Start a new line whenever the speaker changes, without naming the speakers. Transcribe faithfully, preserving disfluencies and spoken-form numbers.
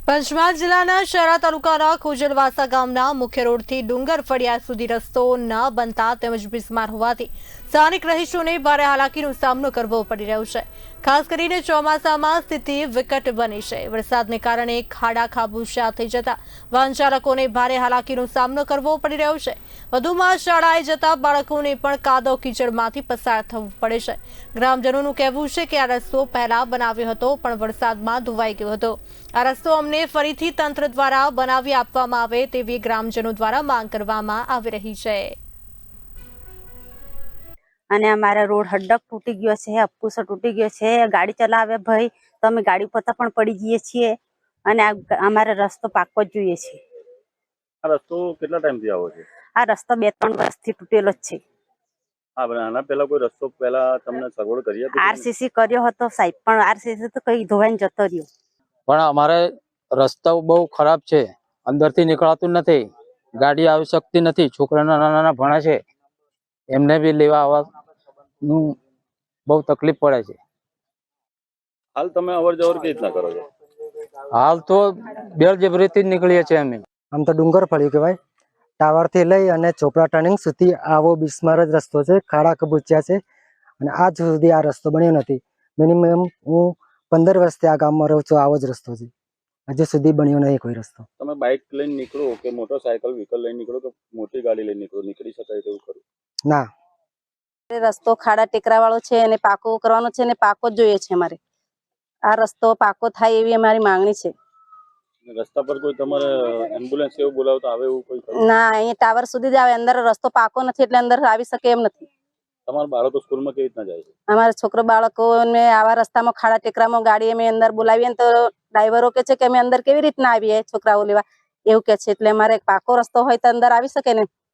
પંચમહાલ જિલ્લાના શહેરા તાલુકાના ખોજલવાસા ગામના મુખ્ય રોડથી ડુંગર ફળિયા સુધી રસ્તો ન બનતા તેમજ બિસ્માર હોવાથી સ્થાનિક રહીશોને ભારે હાલાકીનો સામનો કરવો પડી રહ્યો છે। ખાસ કરીને ચોમાસામાં સ્થિતિ વિકટ બની છે। વરસાદને કારણે ખાડા ખાબોચિયા થઈ જતા વાહન ચાલકોને ભારે હાલાકીનો સામનો કરવો પડી રહ્યો છે। વધુમાં શાળાએ જતા બાળકોને પણ કાદવ કીચડમાંથી પસાર થવું પડે છે। ગ્રામજનોનું કહેવું છે કે આ રસ્તો પહેલા બનાવ્યો હતો પણ વરસાદમાં ધોવાઈ ગયો હતો। આ રસ્તો અમને ફરીથી તંત્ર દ્વારા બનાવી આપવામાં આવે તેવી ગ્રામજનો દ્વારા માંગ કરવામાં આવી રહી છે।
અને અમારા રોડ હડક તૂટી ગયો છે, અપકુસો તૂટી ગયો છે। ગાડી ચલાવે ભાઈ તો અમે ગાડી પોતા પણ પડી જઈએ છીએ અને અમારે રસ્તો પાકો જ જોઈએ છે।
આ રસ્તો કેટલા ટાઈમથી આવો છે?
આ રસ્તો બે ત્રણ વર્ષથી તૂટેલો જ છે।
હા, પણ આના પહેલા કોઈ રસ્તો પહેલા તમને સગવડ કરી હતી?
આરસીસી કર્યો હતો સાહેબ, પણ આરસીસી તો કઈ ધોવાઈને જતો રહ્યો।
પણ અમારે રસ્તો બહુ ખરાબ છે, અંદરથી નીકળાતું નથી, ગાડી આવી શકતી નથી। છોકરા નાના નાના ભણે છે, એમને બી લેવા આવવાનું બહુ તકલીફ પડે છે।
હાલ તમે અવર જવર કેવી રીતના કરો છો?
હાલ તો બેરજબરીથી જ નીકળીએ છીએ અમે।
આમ તો ડુંગર ફળ્યું કહેવાય, ટાવર થી લઈ અને ચોપડા ટર્નિંગ સુધી આવો બિસ્માર જ રસ્તો છે। ખાડા કબૂચ્યા છે અને આજ સુધી આ રસ્તો બન્યો નથી। મિનિમમ હું પંદર વર્ષથી આ ગામમાં રહું છું, આવો જ રસ્તો છે, હજુ સુધી બન્યો નહીં કોઈ રસ્તો।
તમે બાઇક લઈને નીકળો કે મોટરસાયકલ વ્હીકલ લઈને નીકળો કે મોટી ગાડી લઈને નીકળો, નીકળી શકાય તેવું ખરું?
ના,
રસ્તો ખાડા ટેકરા વાળો છે અને પાકો કરવાનો છે અને પાકો જ જોઈએ છે। અમારે આ રસ્તો પાકો થાય એવી અમારી માંગણી છે।
રસ્તા પર કોઈ તમારે એમ્બ્યુલન્સ એવું બોલાવતા આવે એવું કોઈ ખરું?
ના, અહીંયા ટાવર સુધી જ આવે, અંદર રસ્તો પાકો નથી એટલે અંદર આવી શકે એમ નથી।
તમારા બાળકો સ્કૂલમાં કેવી રીતના જાય છે?
અમારા છોકરો બાળકોને આવા રસ્તામાં ખાડા ટેકરામાં ગાડી અમે અંદર બોલાવીએ ને તો ડ્રાઈવરો કે છે કે અમે અંદર કેવી રીતના આવીએ છોકરાઓ લેવા, એવું કે છે। એટલે અમારે પાકો રસ્તો હોય તો અંદર આવી શકે ને।